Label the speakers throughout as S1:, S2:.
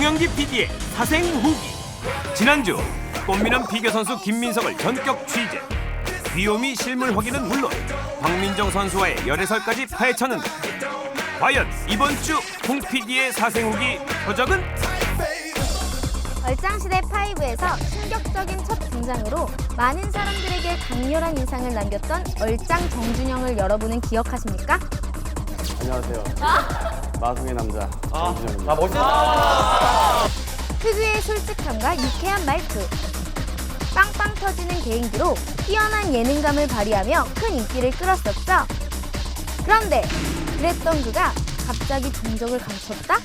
S1: 송영기 PD의 사생 후기. 지난주 꽃미남 비교 선수 김민석을 전격 취재. 귀요미 실물 확인은 물론 박민정 선수와의 열애설까지 파헤쳤는데 과연 이번 주 홍 PD의 사생 후기 표적은?
S2: 얼짱시대 5에서 충격적인 첫 등장으로 많은 사람들에게 강렬한 인상을 남겼던 얼짱 정준영을 여러분은 기억하십니까?
S3: 안녕하세요. 마성의 남자 정준영입니다.
S4: 멋있다.
S2: 특유의 솔직함과 유쾌한 말투, 빵빵 터지는 개인기로 뛰어난 예능감을 발휘하며 큰 인기를 끌었었죠. 그런데 그랬던 그가 갑자기 종적을 감췄다?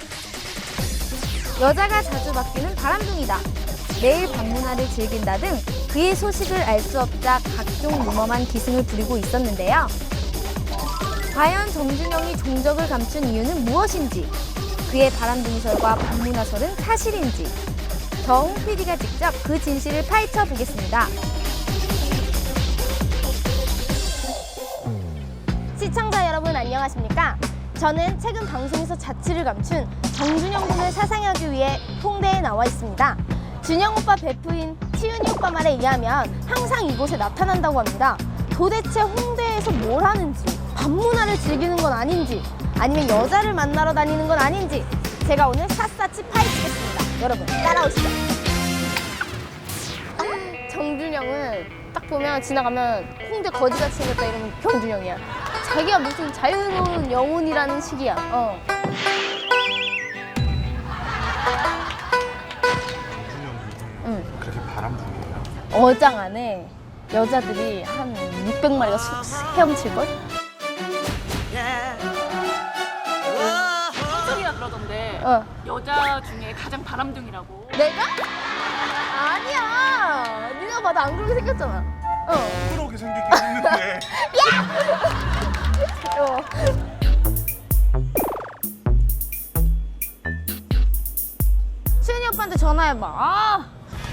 S2: 여자가 자주 바뀌는 바람둥이다. 매일 방문화를 즐긴다 등 그의 소식을 알 수 없자 각종 무엄한 기승을 부리고 있었는데요. 과연 정준영이 종적을 감춘 이유는 무엇인지, 그의 바람둥이설과 방문화설은 사실인지, 저 홍 PD가 직접 그 진실을 파헤쳐 보겠습니다.
S5: 시청자 여러분 안녕하십니까? 저는 최근 방송에서 자취를 감춘 정준영 군을 사상하기 위해 홍대에 나와 있습니다. 준영 오빠 베프인 치윤이 오빠 말에 의하면 항상 이곳에 나타난다고 합니다. 도대체 홍대에서 뭘 하는지, 밤문화를 즐기는 건 아닌지, 아니면 여자를 만나러 다니는 건 아닌지 제가 오늘 샅샅이 파헤치겠습니다. 여러분 따라오시죠. 정준영은 딱 보면 지나가면 홍대 거지같이 생겼다 이러면 정준영이야. 자기가 무슨 자유로운 영혼이라는 식이야. 응.
S4: 그렇게 바람둥이에요?
S5: 어장 안에 여자들이 한 600마리가 헤엄칠걸?
S6: 한솔이라 그러던데 여자 중에 가장 바람둥이라고.
S5: 내가? 아니야. 네가 봐도 안 그렇게 생겼잖아.
S4: 부끄러우게 생기긴 했는데.
S5: 수현이 오빠한테 전화해봐.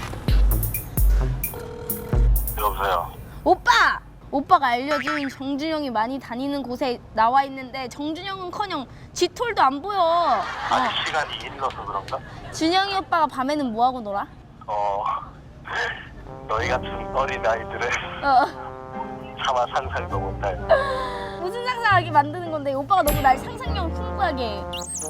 S3: 여보세요.
S5: 오빠! 오빠가 알려준 정준영이 많이 다니는 곳에 나와 있는데 정준영은커녕 쥐털도 안 보여.
S3: 아직 시간이 일러서 그런가?
S5: 준영이 오빠가 밤에는 뭐하고 놀아?
S3: 너희 같은 어린 아이들은 차마 상상도 못할.
S5: 무슨 상상하게 만드는 건데 오빠가 너무 날 상상력을 풍부하게 해.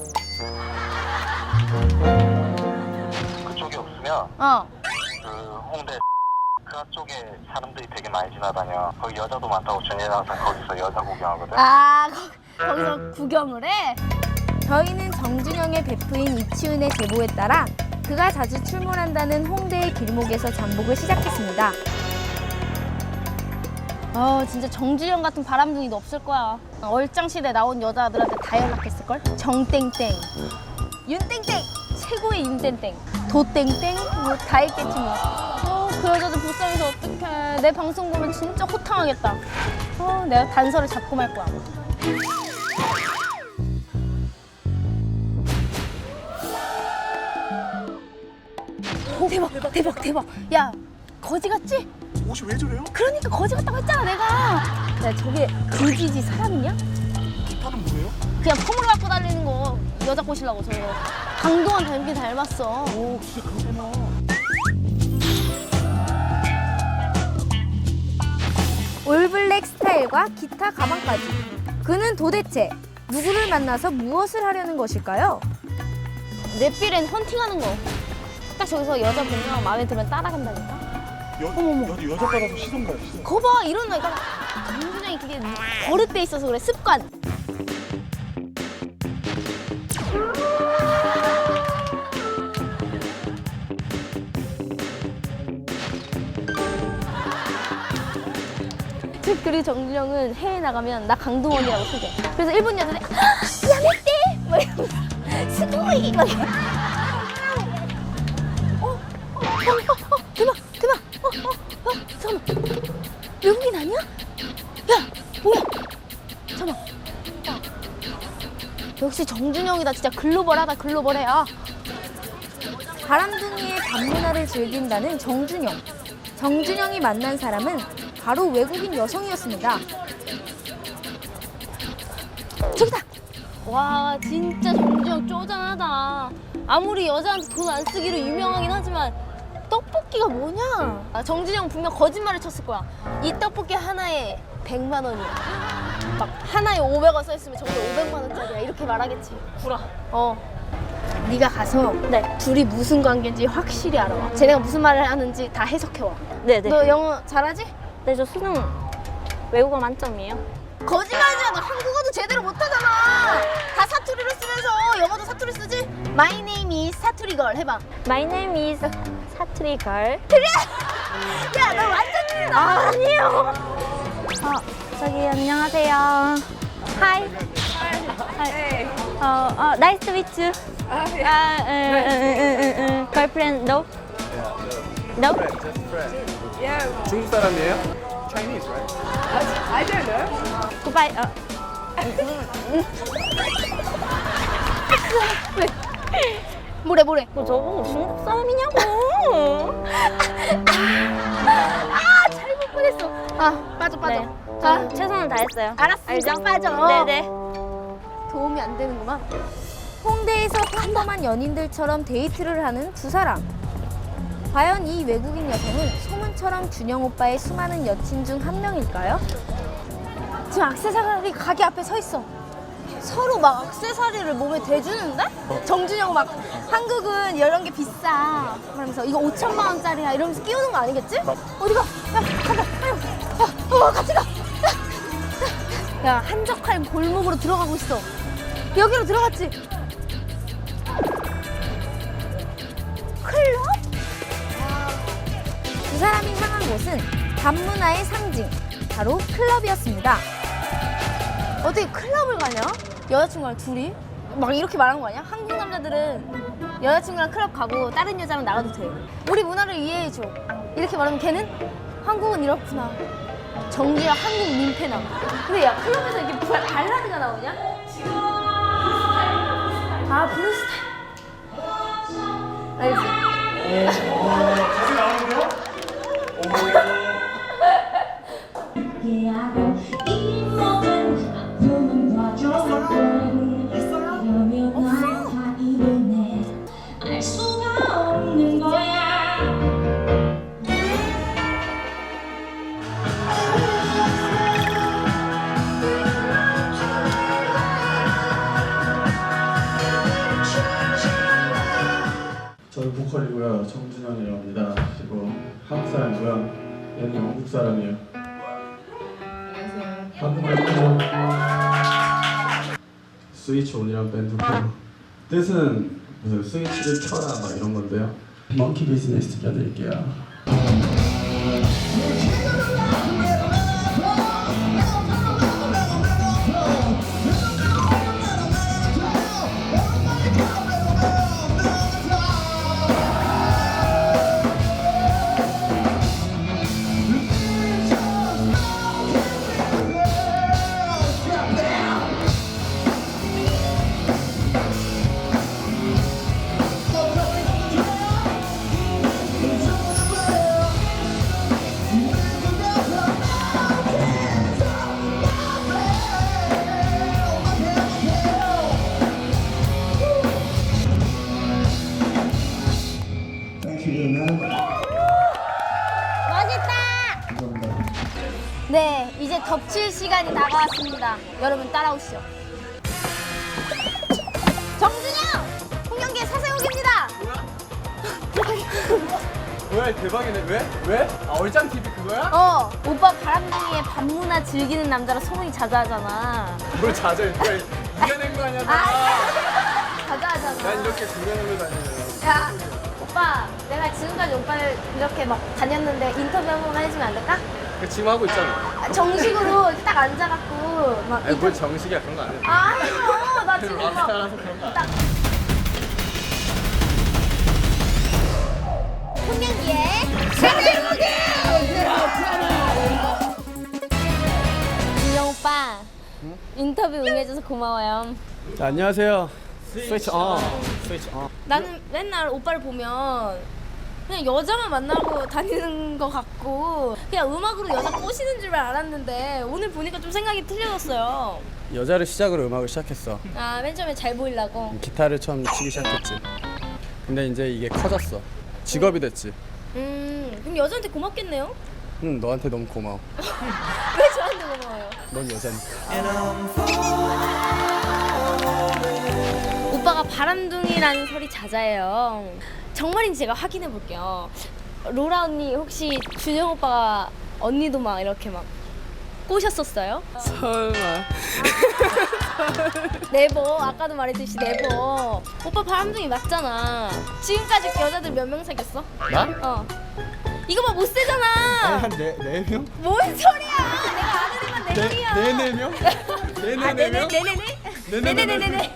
S3: 그쪽에 없으면 그 홍대 그쪽에 사람들이 되게 많이 지나다녀. 거기 여자도 많다고 전에는 항상 거기서 여자 구경하거든.
S5: 거기서 구경을 해?
S2: 저희는 정준영의 베프인 이치훈의 제보에 따라 그가 자주 출몰한다는 홍대의 길목에서 잠복을 시작했습니다.
S5: 진짜 정준영 같은 바람둥이도 없을 거야. 얼짱시대 나온 여자들한테 다 연락했을걸? 정땡땡, 윤땡땡, 최고의 윤땡땡, 도땡땡, 뭐 다 했겠지 뭐. 그 여자들 불쌍해서 어떡해. 내 방송 보면 진짜 호탕하겠다. 내가 단서를 잡고 말 거야. 대박. 야, 거지 같지?
S4: 옷이 왜 저래요?
S5: 그러니까 거지 같다고 했잖아, 내가. 야, 저게 그지지 사람이냐?
S4: 기타는 뭐예요?
S5: 그냥 폼으로 갖고 다니는 거 여자 꼬시려고 저거. 강동원 닮긴 닮았어.
S4: 오, 진짜 그러구나.
S2: 올블랙 스타일과 기타 가방까지. 그는 도대체 누구를 만나서 무엇을 하려는 것일까요?
S5: 내 필엔 헌팅하는 거. 딱 저기서 여자 보면 마음에 들면 따라간다니까.
S4: 여자 따라서 시선 가요, 시선.
S5: 거 봐, 이런 거 있잖아. 정준영이 그게 버릇돼 있어서 그래, 습관. 그리고 정준영은 해외 나가면 나 강동원이라고 소개. 그래서 일본 여자들이 야메떼! 막 이러면서 스고이! 막 이러면서 대박! 잠깐만. 외국인 아니야? 야, 뭐야? 잠깐만. 역시 정준영이다. 진짜 글로벌하다, 글로벌해.
S2: 바람둥이의 밤문화를 즐긴다는 정준영. 정준영이 만난 사람은 바로 외국인 여성이었습니다.
S5: 저기다! 와, 진짜 정준영 쪼잔하다. 아무리 여자한테 돈 안 쓰기로 유명하긴 하지만 떡볶이가 뭐냐? 정준영 분명 거짓말을 쳤을 거야. 이 떡볶이 하나에 100만 원이야. 막 하나에 500원 써 있으면 저게 500만 원짜리야. 이렇게 말하겠지. 구라. 네가 가서 둘이 무슨 관계인지 확실히 알아와. 쟤네가 무슨 말을 하는지 다 해석해와.
S7: 네네.
S5: 너 영어 잘하지?
S7: 네, 저 수능 외국어 만점이에요.
S5: 거짓말하지 마. 너 한국어도 제대로 못하잖아. 다 사투리로 쓰면서 영어도 사투리 쓰지? My name is 사투리걸 해봐.
S7: My name is 사투리 걸.
S5: 야, 너 완전 틀리다.
S7: 아니요. 저기 안녕하세요. Hi. Nice to meet you. Girlfriend, no? No?
S8: 중국 사람이에요? Chinese, right?
S7: Goodbye.
S5: 뭐래?
S7: 저보고 중국 사람이냐고.
S5: 잘못 보냈어. 빠져.
S7: 네.
S5: 자,
S7: 최선을 다했어요.
S5: 알았으니까
S7: 알죠?
S5: 빠져.
S7: 네네.
S5: 도움이 안 되는구만.
S2: 홍대에서 평범한 연인들처럼 데이트를 하는 두 사람. 과연 이 외국인 여성은 소문처럼 준영 오빠의 수많은 여친 중 한 명일까요?
S5: 지금 액세서리 가게 앞에 서 있어. 서로 막 액세서리를 몸에 대주는데? 정준영 막 한국은 이런 게 비싸. 그러면서 이거 5천만 원짜리야 이러면서 끼우는 거 아니겠지? 어디가? 야, 간다. 빨리. 같이 가. 야, 한적한 골목으로 들어가고 있어. 여기로 들어갔지? 클럽?
S2: 두 사람이 향한 곳은 밤문화의 상징, 바로 클럽이었습니다.
S5: 어떻게 클럽을 가냐? 여자친구랑 둘이? 막 이렇게 말하는 거 아니야? 한국 남자들은 여자친구랑 클럽 가고 다른 여자랑 나가도 돼. 우리 문화를 이해해줘. 이렇게 말하면 걔는 한국은 이렇구나. 정기야 한국 민폐나. 근데 야, 클럽에서 이렇게 발라드가 나오냐? 브루스타일. 알지?
S9: 알 수가 없는 거야.
S10: 저는 보컬이고요. 정준영이라고 합니다. 그리고 한국 사람이고요. 얘는 영국 사람이에요. 안녕하세요. 한국말 해줘. 스위치 온이란 밴드고 뜻은 무슨 스위치를 켜라 막 이런 건데요. 먼키 비즈니스 들려드릴게요.
S5: 네, 이제 덮칠 시간이 다가왔습니다. 여러분 따라오시죠. 정준영! 홍영기의 사세옥입니다.
S8: 뭐야 대박이네. 왜? 얼짱 TV 그거야?
S5: 오빠 바람둥이의 밤문화 즐기는 남자라 소문이 자자하잖아.
S8: 뭘 자주 이겨낸 거 아니야?
S5: 자자하잖아.
S8: 난 이렇게 구경하러 다니는.
S5: 야, 오빠, 내가 지금까지 오빠를 이렇게 막 다녔는데 인터뷰 한 번만 해주면 안 될까?
S8: 지금 하고 있잖아.
S5: 정식으로 이렇게 딱 앉아갖고 막
S8: 아니 뭘 정식이야 그런 거 아니야.
S5: 아니요, 나 지금 막
S8: 락스타라서 그런 거 아니야.
S5: 홍영기의 사세옥이! 준영 오빠, 인터뷰 응해줘서 고마워요.
S8: 자, 안녕하세요. 스위치 on. 스위치 on.
S5: 나는 맨날 오빠를 보면 그냥 여자만 만나고 다니는 것 같고 그냥 음악으로 여자 꼬시는 줄 알았는데 오늘 보니까 좀 생각이 틀려졌어요.
S8: 여자를 시작으로 음악을 시작했어.
S5: 맨 처음에 잘 보이려고.
S8: 기타를 처음 치기 시작했지. 근데 이제 이게 커졌어. 직업이 됐지.
S5: 그럼 여자한테 고맙겠네요?
S8: 응, 너한테 너무 고마워.
S5: 왜 저한테 고마워요?
S8: 넌 여자니까.
S5: 오빠가 바람둥이라는 소리 잦아요. 정말인지 제가 확인해 볼게요. 로라 언니 혹시 준영 오빠가 언니도 막 이렇게 막 꼬셨었어요?
S8: 설마.
S5: 네버 아까도 말했듯이 네버. 오빠 바람둥이 맞잖아. 지금까지 여자들 몇 명 사귀었어?
S8: 나?
S5: 어. 이거 막 못 세잖아.
S8: 아니 한 네 명?
S5: 뭔 소리야? 내가 아는 애만 네 명이야.
S8: 네 명?
S5: 네네네네.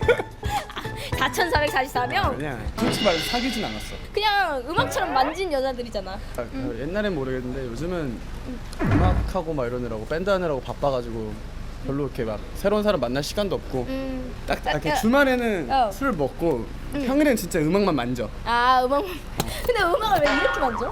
S5: 4,444명?
S8: 그냥 솔직히 말해 사귀진 않았어.
S5: 그냥 음악처럼 만진 여자들이잖아.
S8: 옛날엔 모르겠는데 요즘은 음악하고 막 이러느라고 밴드 하느라고 바빠가지고 별로 이렇게 막 새로운 사람 만날 시간도 없고 딱 이렇게 주말에는 술 먹고 평일엔 진짜 음악만 만져.
S5: 아 음악. 근데 음악을 왜 이렇게 만져?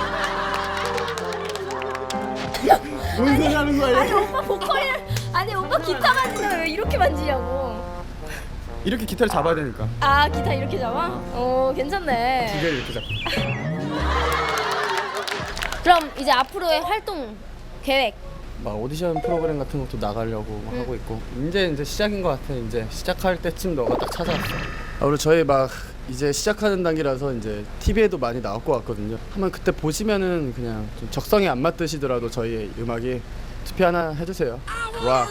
S8: 뭔 소리 하는 거야?
S5: 아니 오빠 보컬이랑 아니 오빠 기타 만지는데 왜 이렇게 만지냐고.
S8: 이렇게 기타를 잡아야 되니까.
S5: 아 기타 이렇게 잡아? 어 괜찮네.
S8: 두 개를 이렇게 잡고.
S5: 그럼 이제 앞으로의 활동 계획.
S8: 막 오디션 프로그램 같은 것도 나가려고 막 하고 있고 이제 시작인 것 같아. 이제 시작할 때쯤 너가 딱 찾아왔어. 그리고 저희 막 이제 시작하는 단계라서 이제 TV에도 많이 나올 것 같거든요. 한번 그때 보시면은 그냥 좀 적성에 안 맞듯이더라도 저희 음악이 투표 하나 해주세요. 락.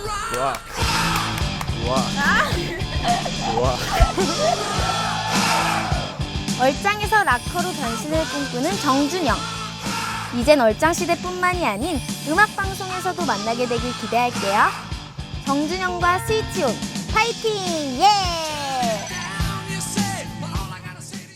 S2: 얼짱에서 락커로 변신을 꿈꾸는 정준영. 이젠 얼짱 시대뿐만이 아닌 음악 방송에서도 만나게 되길 기대할게요. 정준영과 스위치온 파이팅! 예!